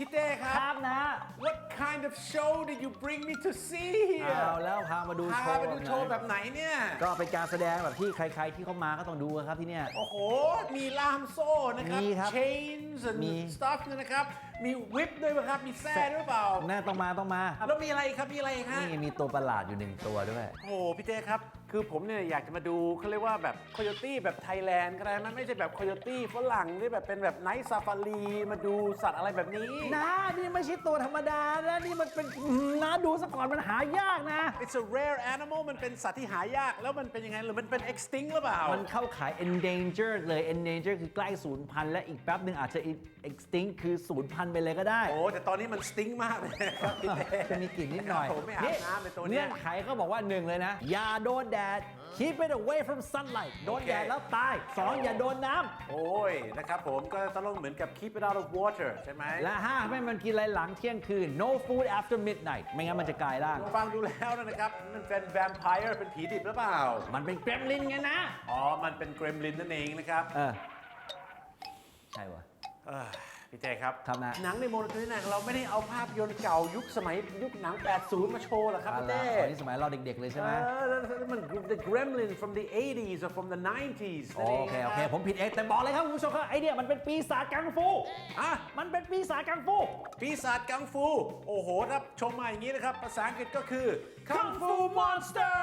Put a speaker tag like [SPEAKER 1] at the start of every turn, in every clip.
[SPEAKER 1] พี่เต้ค
[SPEAKER 2] ค
[SPEAKER 1] รั
[SPEAKER 2] รั
[SPEAKER 1] บบ
[SPEAKER 2] นะ
[SPEAKER 1] What kind of show did you bring me to see
[SPEAKER 2] เอาแล้วพามาดู
[SPEAKER 1] พา
[SPEAKER 2] โชว์
[SPEAKER 1] ไปดูโชว์แบบไหนเนี่ย
[SPEAKER 2] ก็เป็นการแสดงแบบที่ใครๆที่เขามาก็ต้องดูครับที่เนี่ย
[SPEAKER 1] โอ้โห มีล่ามโซ่นะครับ
[SPEAKER 2] มีครับ
[SPEAKER 1] chains and
[SPEAKER 2] มี
[SPEAKER 1] stuff เนี่ยนะครับ มีวิปด้วยป่ะครับ มีแส้ด้วยเปล่า
[SPEAKER 2] แน่ต้องมา
[SPEAKER 1] แล้วมีอะไรครับ มีอะไรครับ
[SPEAKER 2] นี่มีตัวประหลาดอยู่1ตัวด้วย
[SPEAKER 1] โอ้โหพี่เต้ครับ คือผมเนี่ยอยากจะมาดูเขาเรียกว่าแบบโคโยตี้แบบไทยแลนด์ก็ได้มันไม่ใช่แบบโคโยตี้ฝรั่งที่แบบเป็นแบบไนท์ซาฟารีมาดูสัตว์อะไรแบบนี้
[SPEAKER 2] นะนี่ไม่ใช่ตัวธรรมดานะนี่มันเป็นนะดูซะก่อนมันหายากนะ
[SPEAKER 1] It's a rare animal มันเป็นสัตว์ที่หายาก แล้วมันเป็นยังไงหรือมันเป็น extinct หรือเปล่า
[SPEAKER 2] มันเข้าขาย endangered เลย endangered คือใกล้สูญพันธุ์และอีกแป๊บหนึ่งอาจจะ extinct คือสูญพันธุ์ไปเลยก็ได้
[SPEAKER 1] โอ้แต่ตอนนี้มันสติ้งมากเลยครับพี่เต้
[SPEAKER 2] จะมีกลิ่นนิดหน่อย
[SPEAKER 1] ผมไม่อาบน้ำเป็นตัวเนี้
[SPEAKER 2] เงื่
[SPEAKER 1] ย
[SPEAKER 2] อนไขเขาบอกว่า1เลยนะ อย่าโดนแดด keep it away from sunlight โดนแดดแล้วตาย 2 อย่าโดนน้ำ
[SPEAKER 1] โอ้ยนะครับผมก็ต้องเหมือนกับ keep it out of water ใช่ไหม
[SPEAKER 2] และ5ไม่มันกินอะไรหลังเที่ยงคืน no food after midnight ไม่งั้นมันจะกลายร่าง
[SPEAKER 1] ฟังดูแล้วนะครับ มันเป็น vampire เป็นผีดิบหรือเปล่า
[SPEAKER 2] มันเป็นเกรมลินไงนะ
[SPEAKER 1] อ๋อ มันเป็นเกรมลินนั่นเองนะครับ
[SPEAKER 2] ใช่วะ
[SPEAKER 1] พี่เต้ครับ
[SPEAKER 2] ครับนะ
[SPEAKER 1] หนังในโมโนโทนิกเราไม่ได้เอาภาพยนตร์เก่ายุคสมัยยุคหนัง 80 มาโชว์หรอกครับพี่เต้
[SPEAKER 2] ตอนนี้สมัยเราเด็กๆเลยใช่ไหม
[SPEAKER 1] แล้วมัน the gremlin from the 80s or from the 90s นั่นเอง
[SPEAKER 2] โอเค ผมผิดเองแต่บอกเลยครับคุณผู้ชมครับไอเนี่ยมันเป็นปีศาจกังฟู
[SPEAKER 1] อ่ะ
[SPEAKER 2] มันเป็นปีศาจกังฟู
[SPEAKER 1] ปีศาจกังฟู โอ้โหถ้าชมมาอย่างนี้นะครับ ภาษาอังกฤษก็คือ
[SPEAKER 2] กังฟูมอนสเตอร์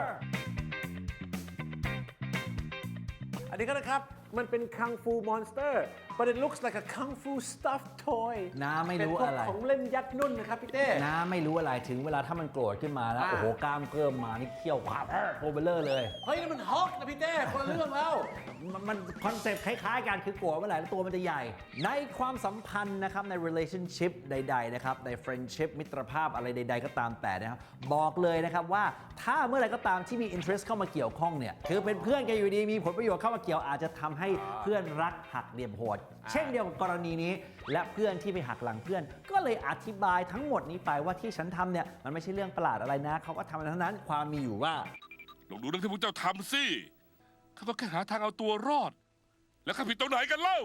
[SPEAKER 1] อันนี้ก็นะครับ มันเป็นคังฟูมอนสเตอร์ but it looks like a kung fu stuffed toy
[SPEAKER 2] น้าไม่รู้
[SPEAKER 1] เป็นพวก
[SPEAKER 2] อะไร
[SPEAKER 1] ของเล่นยัดนุ่นนะครับพี่เต้
[SPEAKER 2] น้าไม่รู้อะไรถึงเวลาถ้ามันโกรธขึ้นมาแล้ว
[SPEAKER 1] อ่า
[SPEAKER 2] โอ้โหกล้ามเกริ่มมานี่เขี้ยวขวาบโอเบเลอร์เลย
[SPEAKER 1] เฮ้ยนี่มันฮอกนะพี่เต้คนละเรื่องแล้ว
[SPEAKER 2] มันคอนเซ็ปต์คล้ายๆกันคือโกรธเมื่อไหร่แล้วตัวมันจะใหญ่ ในความสัมพันธ์นะครับใน relationship ใดๆนะครับใน friendship มิตรภาพอะไรใดๆก็ตามแต่นะครับบอกเลยนะครับว่าถ้าเมื่อไหร่ก็ตามที่มี interest เข้ามาเกี่ยวข้องเนี่ยคือเป็นเพื่อนกันอยู่ดีมีผลประโยชน์เข้ามาเกี่ยวอาจจะทำให้เพื่อนรักหักเหลี่ยมโหดเช่นเดียวกับกรณีนี้และเพื่อนที่ไปหักหลังเพื่อน ก็เลยอธิบายทั้งหมดนี้ไปว่าที่ฉันทำเนี่ยมันไม่ใช่เรื่องประหลาดอะไรนะเขาก็ทำเท่านั้นความมีอยู่ว่า
[SPEAKER 3] ลองดูเรื่องที่พวกเจ้าทำสิข้าต้องแค่หาทางเอาตัวรอด แล้วข้าผิดตรงไหนกันเล่า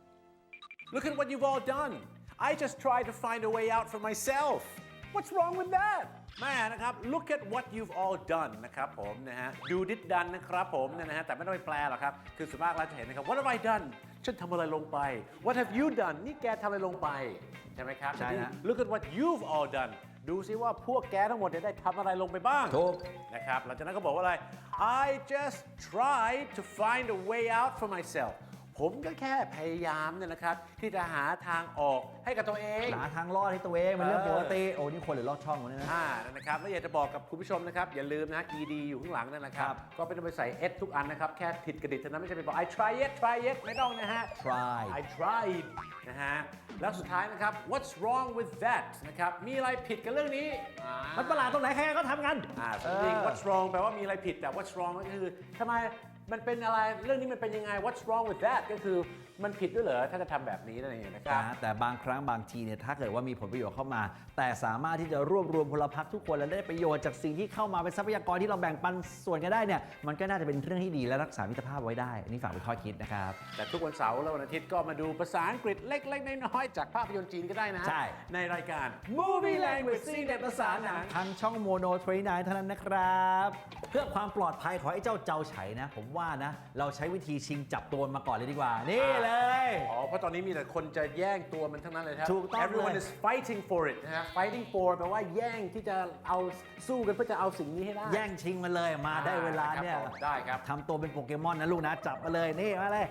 [SPEAKER 1] Look at what you've all done I just tried to find a way out for myself What's wrong with that แม่นะครับ Look at what you've all done นะครับผมนะฮะ Do did done นะครับผมเนี่ยนะฮะแต่ไม่ต้องไปแปลหรอกครับคือส่วนมากเราจะเห็นนะครับ What have I done ฉันทำอะไรลงไป What have you done นี่แกทำอะไรลงไปใช่ไหมครับ
[SPEAKER 2] ใช่นะ
[SPEAKER 1] Look at what you've all done ดูซิว่าพวกแกทั้งหมดเนี่ยได้ทำอะไรลงไปบ้าง
[SPEAKER 2] ถูก
[SPEAKER 1] นะครับหลังจากนั้นก็บอกว่าอะไร I just tried to find a way out for myself ผมก็แค่พยายามเนี่ยนะครับที่จะหาทางออกให้กับตัวเอง
[SPEAKER 2] หาทางรอดให้ตัวเองเป็นเรื่องปกติโอ้นี่คนหรือลอดช่องวะเนี่ยนะ
[SPEAKER 1] นั่นนะครับแล้วอยากจะบอกกับคุณผู้ชมนะครับอย่าลืมนะ ed อยู่ข้างหลังนั่นนะครับ
[SPEAKER 2] ครับ
[SPEAKER 1] ก็ไม่ต้องไปใส่ s ทุกอันนะครับแค่ผิดกระดิษเท่านั้นไม่ใช่ไปบอก I try it ไม่ต้องนะฮะ
[SPEAKER 2] try
[SPEAKER 1] I tried นะฮะแล้วสุดท้ายนะครับ What's wrong with that นะครับมีอะไรผิดกับเรื่องนี้
[SPEAKER 2] มันประหลาดตรงไหนใครๆก็ทำกัน
[SPEAKER 1] จริง What's wrong แปลว่ามีอะไรผิดแต่ What's wrong ก็คือทำไมมันเป็นอะไรเรื่องนี้มันเป็นยังไง What's wrong with that ก็คือมันผิดด้วยเหรอถ้าจะทำแบบนี้นั่นเองนะครับ
[SPEAKER 2] แต่บางครั้งบางทีเนี่ยถ้าเกิดว่ามีผลประโยชน์เข้ามา แต่สามารถที่จะรวบรวมพลพรรคทุกคนและได้ประโยชน์จากสิ่งที่เข้ามาเป็นทรัพยากรที่เราแบ่งปันส่วนกันได้เนี่ยมันก็น่าจะเป็นเรื่องที่ดีและรักษามิตรภาพไว้ได้อันนี้ฝากเป็นข้อคิดนะครับ
[SPEAKER 1] แต่ทุกวันเสาร์และวันอาทิตย์ก็มาดูภาษาอังกฤษเล็กๆน้อยๆจากภาพยนตร์จีนก็ได้นะ
[SPEAKER 2] ใช่
[SPEAKER 1] ในรายการ Movie Language ซีเด็ดภาษาหนัง
[SPEAKER 2] ทางช่องโมโน29เท่านั้นนะครับ เพื่อความปลอดภัยของไอ้เจ้าเจ้าไฉนะ ผมว่านะ เราใช้วิธีชิงจับตัวมันมาก่อนเลยดีกว่า นี่เลย
[SPEAKER 1] อ๋อ เพราะตอนนี้มีแต่คนจะแย่งตัวมันทั้งนั้นเลยครับ
[SPEAKER 2] ถูกต้อง
[SPEAKER 1] Everyone
[SPEAKER 2] เลย
[SPEAKER 1] is fighting for it นะฮะ fighting for แปลว่าแย่งที่จะเอาสู้กันเพื่อจะเอาสิ่งนี้ให้ได้
[SPEAKER 2] แย่งชิงมาเลยมาได้เวลาเนี่ย
[SPEAKER 1] ครับผมได้ครับ
[SPEAKER 2] ทำตัวเป็นโปเกมอนนะลูกนะ จับมาเลย นี่มาเลย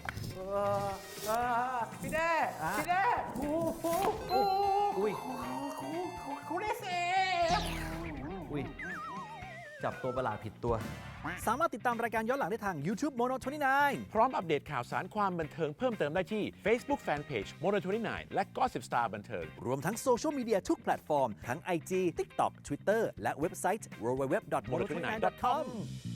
[SPEAKER 1] พี่แด้
[SPEAKER 2] อ่ะ
[SPEAKER 1] พี่แด้ครู
[SPEAKER 2] อุ้ย
[SPEAKER 1] ครูเดเซ
[SPEAKER 2] อุ้ย จับตัวประหลาดผิดตัว สามารถติดตามรายการย้อนหลังได้ทาง YouTube Mono 29
[SPEAKER 1] พร้อมอัปเดตข่าวสารความบันเทิงเพิ่มเติมได้ที่ Facebook Fanpage Mono29 และ Gossip Star บันเทิง
[SPEAKER 2] รวมทั้งโซเชียลมีเดียทุกแพลตฟอร์ม ทั้ง IG TikTok Twitter และเว็บไซต์ www.mono29.com